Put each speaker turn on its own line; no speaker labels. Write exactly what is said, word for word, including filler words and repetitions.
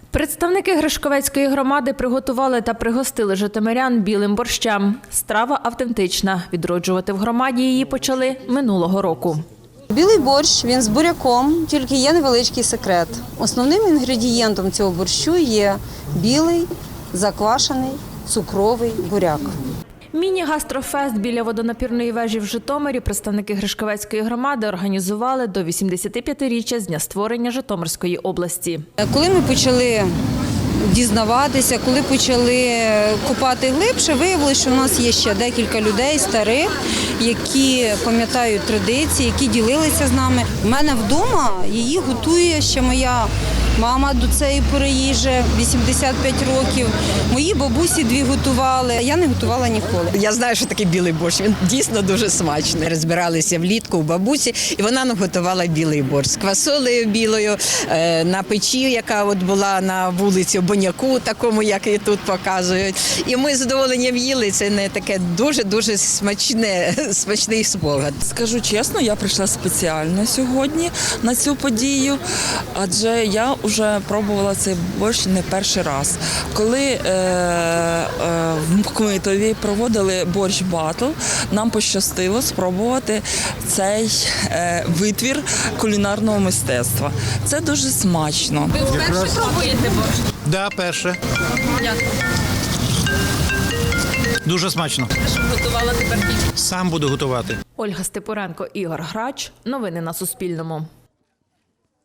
Представники Гришковецької громади приготували та пригостили житомирян білим борщем. Страва автентична. Відроджувати в громаді її почали минулого року.
Білий борщ, він з буряком, тільки є невеличкий секрет. Основним інгредієнтом цього борщу є білий, заквашений, цукровий буряк.
Міні-гастрофест біля водонапірної вежі в Житомирі представники Гришковецької громади організували до вісімдесятип'ятиріччя з дня створення Житомирської області.
Коли ми почали дізнаватися, коли почали копати глибше, виявилося, що в нас є ще декілька людей старих, які пам'ятають традиції, які ділилися з нами. У мене вдома її готує ще моя мама до цієї пори їжі, вісімдесят п'ять років. Мої бабусі дві готували, я не готувала ніколи.
Я знаю, що таке білий борщ, він дійсно дуже смачний. Розбиралися влітку у бабусі, і вона нам готувала білий борщ з квасолею білою, на печі, яка от була на вулиці Боняку, такому, як і тут показують. І ми з задоволенням їли, це не таке дуже-дуже смачне, смачний спогад.
Скажу чесно, я прийшла спеціально сьогодні на цю подію, адже я вже пробувала цей борщ не перший раз. Коли е, е, в Мукмитові проводили борщ батл, нам пощастило спробувати цей е, витвір кулінарного мистецтва. Це дуже смачно.
Ви вперше пробуєте борщ?
Да, перше.
Як?
Дуже смачно.
Що готувала тепер?
Сам буду готувати.
Ольга Степуренко, Ігор Грач. Новини на Суспільному.